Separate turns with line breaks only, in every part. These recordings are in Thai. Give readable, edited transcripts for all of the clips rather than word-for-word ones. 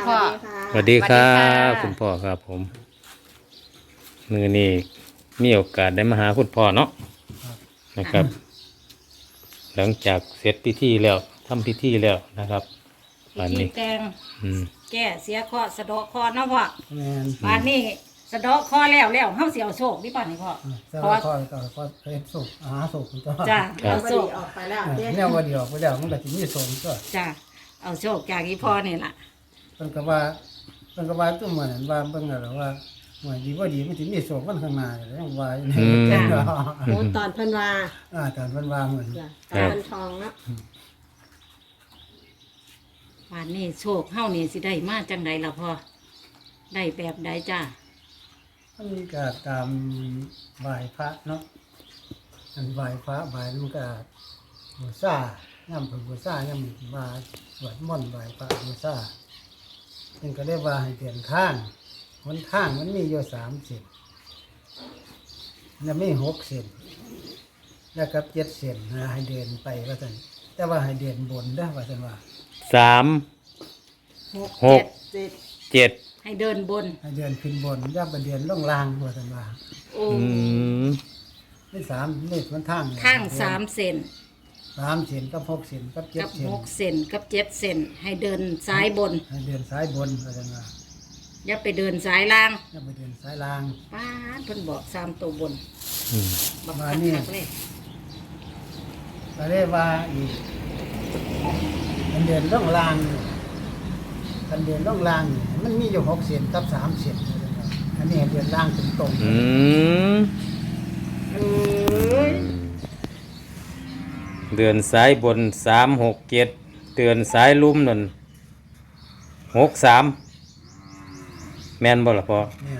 พ่อ
สวัสดีครั
สวัสดี
บ
ค่ะ
คุณพ่อครับผมมือนี้มีโอกาสได้มาหาคุณพ่อเนาะนะครับ หลังจากเสร็จพิธีแล้วทำพิธีแล้วนะครับ
พิ
วัน
ธี
นี้
แต่ง
อืม
แก้เสียเคราะห์สะเดาะเคราะห์เนาะพ่อ
แม่น
บ้านนี้สะเดาะเคราะห์แล้วเฮาสิเอาโชคดิป่ะนี่พ่อ
แต่
เพราะ
ว่า
ว่า
ก็เป็นสุขหาสุขก็
จ้ะ
ครับ
เอาโชค
ออกไปแล้วเด้
แนวว่าเดียวไปแล้วมันก็สิมีสุขก็
จ้ะเอาโชคจากอีพ่อนี่ล่ะ
เพิ่นก็ว่าตัวเหมือนว่าเบิ่งแล้วว่าหวยดีบ่ดีมันสิมีสุขมันข้างหน้าแล้วยังว่าอยู่นี่
โอ้ตอนเพิ่นว่า
ตอนเพิ่นว่าเหมือน
จ้ะตอนเพิ่นทองเนาะ
บ้านนี้โชคเฮานี่สิได้มาจังใดล่ะพ่อได้แบบใดจ้ะ
มันก็ตามไหว้พระเนาะอันไหว้พระไหว้มันก็บูชาย่ำเพิ่นบูชาย่ำว่าสวดมนต์ไหว้พระบูชาเพิ่นก็ได้ว่าให้เปลี่ยนทางหนทางมันมีอยู่3เส้นแล้วมี6เส้นแล้วก็7เส้นนะให้เดินไปว่าซั่นแต่ว่าให้เดินบนเด้อว่าซั่นว่า
สามหก
เจ็ด
เจ็ด
ให้เดินบน
ให้เดินขึ้นบนอย่าไปเดินลงล่างว่าซั่นว่า
โอ้
อืม
นี่3นี่มันทาง
ทาง3เซน
3เส้นกับ6เส้นกับ7
กับ
เส้น
6เซนกับ7เซนให้เดินซ้ายบน
ให้เดินซ้ายบนว่าซั่นว่า
อย่าไปเดินซ้ายล่าง
อย่าไปเดินซ้ายล่าง
ป้าดเพิ่นบอก3ตัวบน
อืม
บัก
มา
คัก
นี่
คักเลย
ก็เลยว่าอีกมันเดินล่องล่างนี่มันเดินล่องล่างนี่มันมีอยู่6เส้นกับ3เส้นว่าซั่นว่าอันนี้ให้เดินล่างตรงๆ
อืม
เอ้ย
เดือนซ้ายบน367เดือนซ้ายลุ่มนั่น63แม่นบ่ล่ะพ่อ
เนี่ย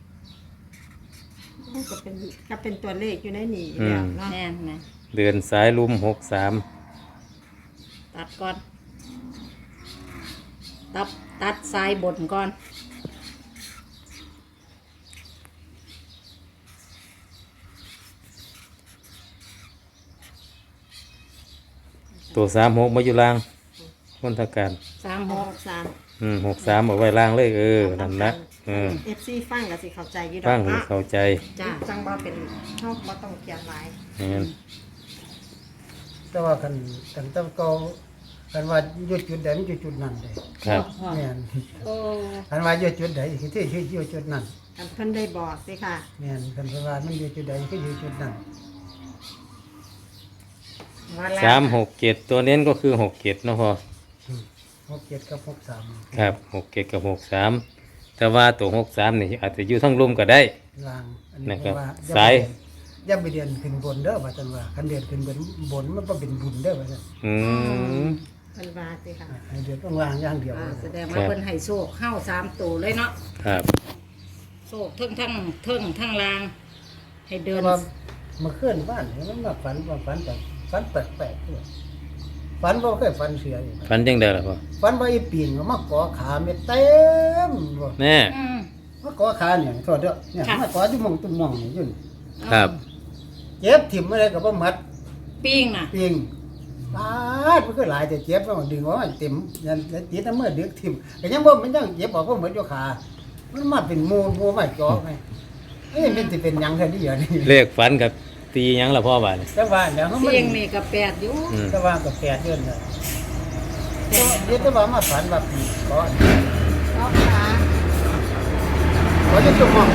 ก็เป็นตัวเลขอยู่ในนี่
อืม
แล้วเนาะ
แม่นไหม
เดือนซ้ายลุ่ม63
ตัดก่อน ตัดซ้ายบนก่อน
ตัว36มาอยู่ล่างคนทางการ
36
63เอาไว้ล่างเลยนั่นนะ
FC ฟังก็สิเข้าใจอยู่ด
ฟั
อง ก
ให้
เนาะ
เข้าใจ
จ้า
จังบ่เป็นเฮาบ่ต้องเขียนหลาย
แม่น
แต่ว่ากันต้องก็กันว่าอยู่จุดใดมันอยู่จุดนั้นเลย
ครับ
เนี่ย
โอ้
กันว่าอยู่จุดใดคือที่อยู่จุดนั้น
กันเพิ่นได้บอกสิค่ะ
เนี่ยกันว่ามันอยู่จุดใดก็อยู่จุดนั้น
ว่าแล้ว
367ตัวเน้นก็คือ67เนาะพ่อ
67กับ63
ครับ67กับ63แต่ว่าตัว63นี่อาจจะอยู่ทั้งลุ่มก็ได้
ล่างอัน
นะ
นี้
ครับ
ว่า
สาย
อย่าไปเดินขึ้นบนเด้อว่าซั่นว่าคันเดินขึ้นบนมันบ่เป็นบุญเด้อว่าซั่น
อืม
เพิ่นว่าสิค่ะ
ให้เดินต้องล่างอย่างเดียว
แสดงว่าเพิ่นให้โชคเข้า3ตัวเลยเนาะ
ครับ
โชคทั้งล่าง ให้เดิ
แต่
น
ว่าเมื่อคืนบ้านนี่มันมาฝันแปลกๆด้วยฝันบ่เคยฝันเสียอยู่
ฟันจังได๋ล่ะพ่อ
ฝันว่าอีปีนก็มาเกาะขาเม็ดเต็มบ่
แน่
อืม
มาเกาะขาเนี่ยโทษเด้อเนี่ย
ค่ะ
มาเกาะอยู่หม่องตุ้มหม่องนี่อยู่นี่
ครับ
เจ็บถิ่มอะไรก็บ่หมัด
ปิ้งน่ะ
ปิงปาดมันก็หลายแต่เจ็บแล้วดึงออกมาเต็มยันติดน้ำมือดึกถิ่มก็ยังบ่มันยังเจ็บออกก็เหมือนอยู่ขามันมาเป็นหมู่มาเจาะไงเอ้ยมันสิเป็นหยังแค่นี้เหรอนี่
เลขฝันกับตีหยังล่ะพ่อบาดนี้
แต่ว่าเดี๋ยวมัน
เสียงนี่ก็แปดอยู่
อืม
แต่ว่าก็แปดเดือนแล้ว
แต่
เดี๋ยวแต่ว่ามาฝันว่าปีเกาะ
เนาะค่ะ
ก็จะจุ่มหม่อง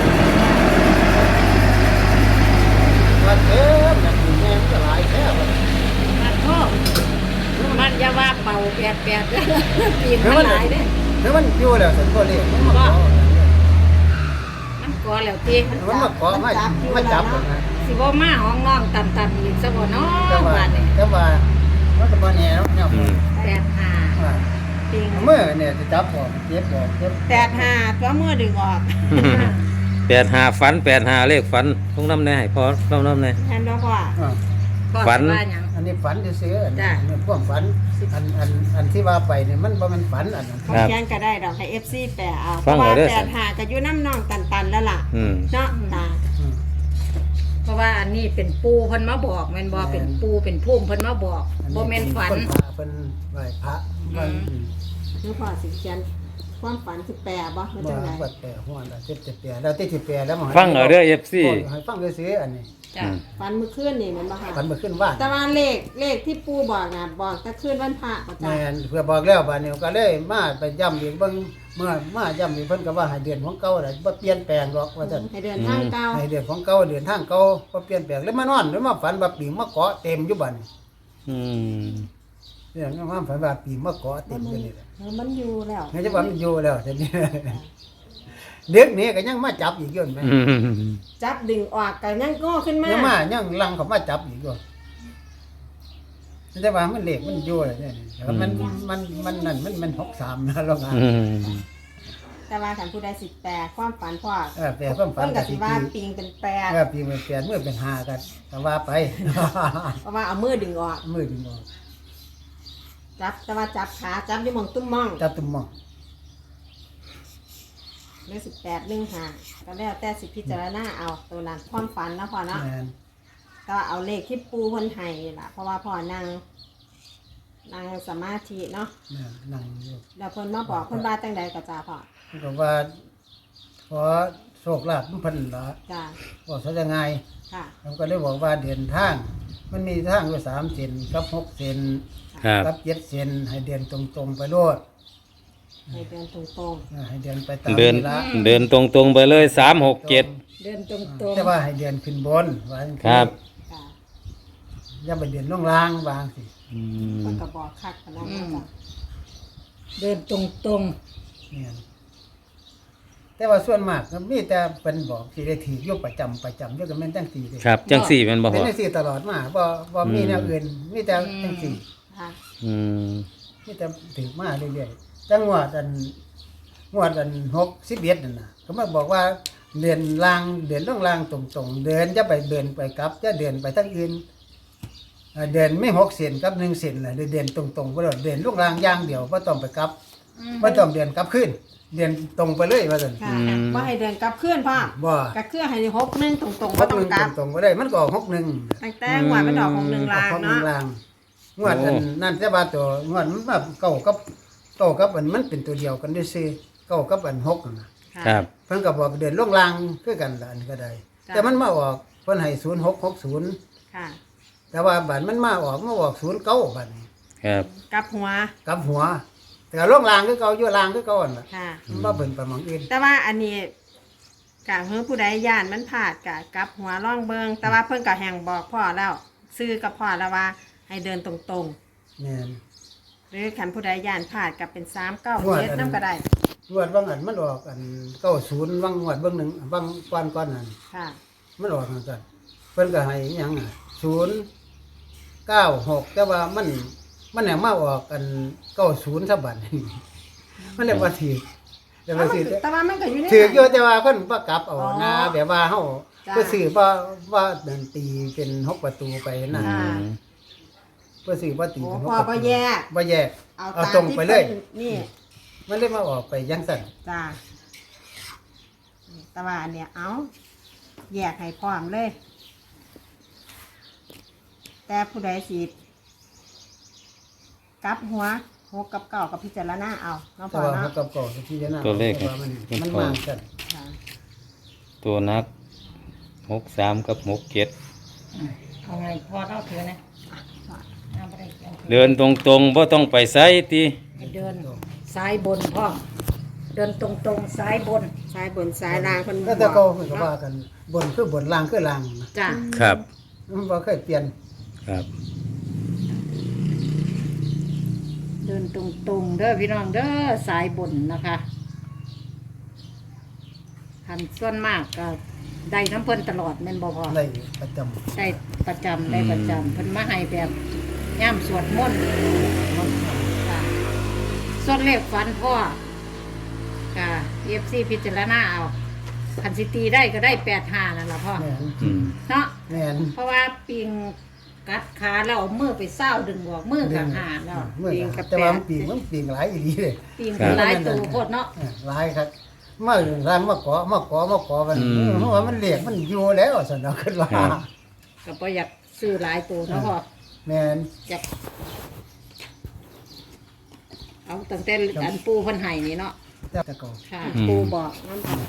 ว่าเจ็บอย่างนี้แม่มันก็หลายแค่ว่า
มันพ่อมันอย่าว่าเป่าแปดเด้อปีนมันหลายเด้อ
หรือมันอยู่แล้วสันก็เรียกมันมาเกาะ
มันก่อแล้วตี
มันมาเกาะมาจับผมนะ
สิบ่มาห้องน้องตันอีกซะบ่เนาะ
แต่ว่า
บาดนี้
แต่ว่ามันก็บ่แน่เนาะเนี่ย
อืม
85
ว่า
ปิง
เมื่อเนี่ยจะจับออกเจ็บออกเจ็บ
85ตัวมือดึงออก
85ฝัน85เลขฝันต้องนำแน่ให้พ่อเล่านำแน่
แม่นบ่พ่อ
อ่า
พ่อ
ฝัน
สิว่าหยัง
อันนี้ฝันซื่อๆอัน
จ้ะ
นี้พวกฝันอันที่ว่าไปเนี่ยมันบ่แม่นฝันอันนั้น
เขาเขียนก็ได้ดอกให้ FC แปะเอาเพ
ฟัง
ราะว่า
เอาเด้อ
85ก็อยู่น้ำน้องตันๆแล้วล่ะ
อืม
เนาะตา
อืม
เพราะว่าอันนี้เป็นปูเพิ่นมาบอกแม่นบ่เป็นปูเป็นพุ่มเพิ่นมาบอก
อั
บ่แม่นฝัน
คนพระเพิ่นไหว้พระว่า
อืม
หรือพ่อสิเขียนความฝันสิแปลบ่ไม่
บ่
จังได
ว่าแต่หัวละเจ็บจะแปรแล้วที่สิแปรแล้วมัน
ฟังเอาเด้อ FC
ให้ฟังซื่อๆอันนี้
จ้ะ
ฝันเมื่อคืนนี่แมันบ่ค่ะ
ฝันเมื่อคืนว่าน
แต่ว่าเลขที่ปู่บอกน่ะบอกแต่คืนวันพระบ่จ้ะ
แม่นเพื่อบอกแล้วบัดนี้ก็เลยมาไปย้ำอีกเบิ่งเมื่อมาย้ำอีกเพิ่นก็ว่าให้เดือนของเก่าน่ะบ่เปลี่ยนแปลงหรอกว่าซั่น
ให้เดินทางเก่า
ให้เดือนของเก่าเดือนทางเก่าบ่เปลี่ยนแปลงเลยมานอนแล้วมาฝันว่าปีมาเกาะเต็มอยู่บัดนี้
อืม
เนี่ยมาฝันว่าปีมาเกาะเต็มอยู่นี่แหละ
มันอยู่แล้ว
งั้นจะว่ามันอยู่แล้วทีนี้ เด็กนี่ก็ยังมาจับอีกอยู่ไหม
อืม
จับดึงออกก็ยังโก้ขึ้นมา
ยังมายังลังเขามาจับอีกอยู่แต่ว่ามันเหล็กมันอยู่เลยเนี่ยแต่ว่ามันนั่นมัน63นะลองอ่าน
อืม
แต่ว่าถ้าผู้ใดสิแปลความฝันพ่อ
แปลความฝั
เพิ่
น
น
กั
ก็
บ
สิ
สิ
ว่า
ว่า
ปิงเป็นแปด
ปีมันเปลี่ยนมือเป็น5กันแต่ว่าไป
เพราะว่าเอามือดึงออก
มือดึงออก
จับแต่ว่าจับขาจับอยู่หมองตุ้มมอง
จับตุ่มมอง
เลข18 15ก็แล้วแต่สิพิจารณาเอาตัวนั้นความฝันนะพ่อเนาะ
แม่น
ก็เอาเลขที่ปูเพิ่นให้นี่ล่ะเพราะว่าพ่อนั่งสมาธิเนาะ
แม่นนั่งอยู่
แล้วเพิ่นมาบอกเพิ่นว่าจังใดก็จ้าพ่อ
เพิ่นก็ว่าขอโชคลาภมันเพิ่นล่ะ
จ้า
บอกซะยังไง
ค่ะ
ผมก็เลยบอกว่าเดินทาง มันมีทางอยู่3เซนกับ6เซน
ครับ
กับ7เซนให้เดินตรงๆไปโลด
ให้เดินตรง
ให้เดินไปตาม
เดิน
เวลา
เดินตรงๆไปเลย367
เดินตรง
แต่ว่าให้เดินขึ้นบนว่าจังซี้
ครับ
ๆค่ะ
อย่าไปเดินลงล่างวางสิ
อื
เพิ่น
ม
ก็บอกคักปานนั้นนะจ้ะ
ๆเดินตรง
เนี่ยแต่ว่าส่วนมากก็มีแต่เป็นบอกสิได้ถืออยู่ประจำอยู่ก็แม่นจังซี่เด้
ครับจังสี่แม่นบ่
เป็
พ่
น
อ
จังซี่ตลอดมาบ่มีแนวอื่นมีแต่จังซี่
ค่ะ
อืม
มีแต่ถือมาเรื่อยๆจังหวัดอัน61นั่นน่ะก็มาบอกว่าเดินล่างเดินลงล่างตรงๆเดินจะไปเดินไปกลับจะเดินไปทางอื่นเดินไม่6เซนกับ1เซนล่ะเดินตรงๆบ่ได้เดินลงล่างอย่างเดียวบ่ต้องไปกลับบ่ต้องเดินกลับขึ้นเดินตรงไปเลยว่าซั่น
ค่ะบ่ให้เดินกลับเคลื่อนพ่อ
บ่
ก็คือให้61ตรงๆบ่ต้องกลับ
ตรงๆบ่ได้มันก็ออก61
ตั้งแต่งวดมันออกของ1ล้านเนาะ
งวดอันนั่นแต่ว่าตัวงวดมันแบบเก้ากับอันมันเป็นตัวเดียวกันด้วยซิเก้ากับอัน6นั่นน่ะ
ค่ะ
ครับ
เพิ่นก็บอกเดินลงลางคือกันล่ะอันก็ได้
จ้ะ
แต่มันมาออกเพิ่นให้0660
ค่ะ
แต่ว่าบัดมันมาออก09บัดนี้
ครับ
กลับหัว
กลับหัว แต่ลงลางคือเก่าอยู่ลางคือเก่าอันน่ะ
ค่ะ
มันบ่เพิ่นไปหมองอื่น
แต่ว่าอันนี้กะเพิ่นผู้ใดย่านมันพลาดกะกลับหัวร่องเบิงแต่ว่าเพิ่นก็แห่งบอกพ่อแล้วซื้อกับพ่อแล้วว่า ให้เดินตรง
แม่น
ๆ หรือคันผู้ใดย่านพลาดก็เป็น3 9
งวดอัน
7นำก็ได้
งวดบางอันมันออกอัน90บางงวดบางหนึงบางก่อนนั้น
ค่ะ
มันออกนั่นกันเพิ่นก็ให้อิหยังอ่ะ096แต่ว่ามันเนี่ยมาออกกัน90ซะบัด นี้มันเลยบ่ถูกแต่ว่าสิ
แต่ว่ามันก็อยู่ใน
ถูกอยู่แต่ว่าเพิ่นบ่กลับเอา
อ๋อ
นะแบบว่าเฮา
จ้ะ
เพื่อซื้อว่าเดินตีเป็น6ประตูไปนะ
อ่า
เพื่อซื้อว่าตี
โอ้
เป็น6
พ่อ
ประตู
บ่แยก
บ่แยก
เอา
เอา
ตาม
ตรง
ที่
ไปเลย
พิ่นนี่
มันเลยมาออกไปจังซั่น
จ้าแต่ว่าอันเนี้ยเอาแยกให้พร้อมเลย แต่ผู้ใดสิกลับหัว6กับ9กับพิจารณาเอาเนาะ
แต่
พ่อ
ว่า
เนาะ
เฮากับเก่าที่จะน่า
ตัวเลข
ว่ามันมาซั่น
ค่ะ
ตัวนัก63กับ67
เอาไงพอเล่าเถือนะเอาไปได้
เดินตรงๆบ่ต้องไปไสติ
ให้เดินซ้ายบนพ่อเดินตรงๆซ้ายบน
ซ้ายบนซ้ายล่างเพิ่น
แล้วแต่เก่าเพิ่นก็ว่ากันบนคือบนล่างคือล่างนะ
จ้ะ
ครับ
มันบ่เคยเปลี่ยน
ครับ
เดินตรงๆเด้อพี่น้องเด้อซ้ายบนนะคะคันส่วนมากก็ได้น้ำเพิ่นตลอดแม่นบ่พอ
ได้ประจำ
ได้ประจำได้ประจำเพิ่นมาให้แบบย่ำสวดมนต์ค่ะส่วนเลขฝันพ่อค่ะ FC พิจารณาเอาคันสิตีได้ก็ได้85นั่นล่ะพ่อ
แม่น
อืม
เนาะ
แม่น
เพราะว่าปิงกัดขาแล้วเอามือไปเศร้าดึงออกมือกับหาแล้ว
เมื่อ
ปิงกับ
แต่
แป
ว่า
ด
มันปีงหลายอีหลีเลย
ปิงเป็นหลายตัวโคตรเนาะ
หลายครับมาร้านมาเกาะมันเพราะว่ามันเหลียกมันอยู่แล้วสนอขึ้นว่า
ก็บ่อยากซื้อหลายตัวเนาะพ่อ
แม่น
อยากเอาตั้งแต่อันปูเพันไห้นี่เนาะ
แต่ก่อน
ค่ะ
อืม
ปูบอกนั่นพ่อ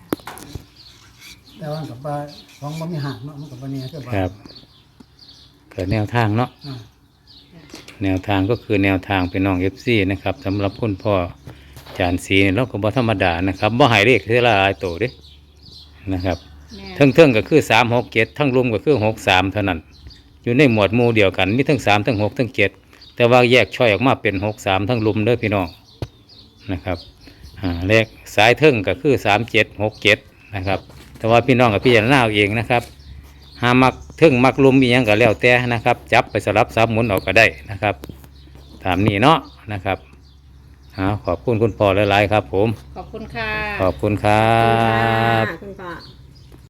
แต่ว่ากับว่าของบ่มีหักเนาะมันกับบ่เนี่ยคือว่า
ครับเกิดแนวทางเนาะ
อ่า
แนวทางก็คือแนวทางเป็นน้อง FC นะครับสำหรับคุณพ่อจานสีนี่เราก็บ่ธรรมดานะครับบ่ใหายเลขเท่าหลายโตเด้นะครับ
แม่
ทั้งก็คือ367ทั้งรวมก็คือ63เท่านั้น อยู่ในหมวดหมู่เดียวกันมีทั้ง3ทั้ง6ทั้ง7แต่ว่าแยกช่อยออกมาเป็น63ทั้งรุมเด้อพี่น้องนะครับเลขสายเทิงก็คือ3767นะครับแต่ว่าพี่น้องกับพี่จารณาเอาเองนะครับหามักเทิงมักรุมมีหยังก็แล้วแต่นะครับจับไปสลับซับหมุนออกก็ได้นะครับตามนี้เนาะนะครับขอบคุณคุณพ่อหลายๆครับผม
ขอบคุณค่ะ
ขอบคุณครั
ขอบคุณ
บ
ค่ะคุณพ่อ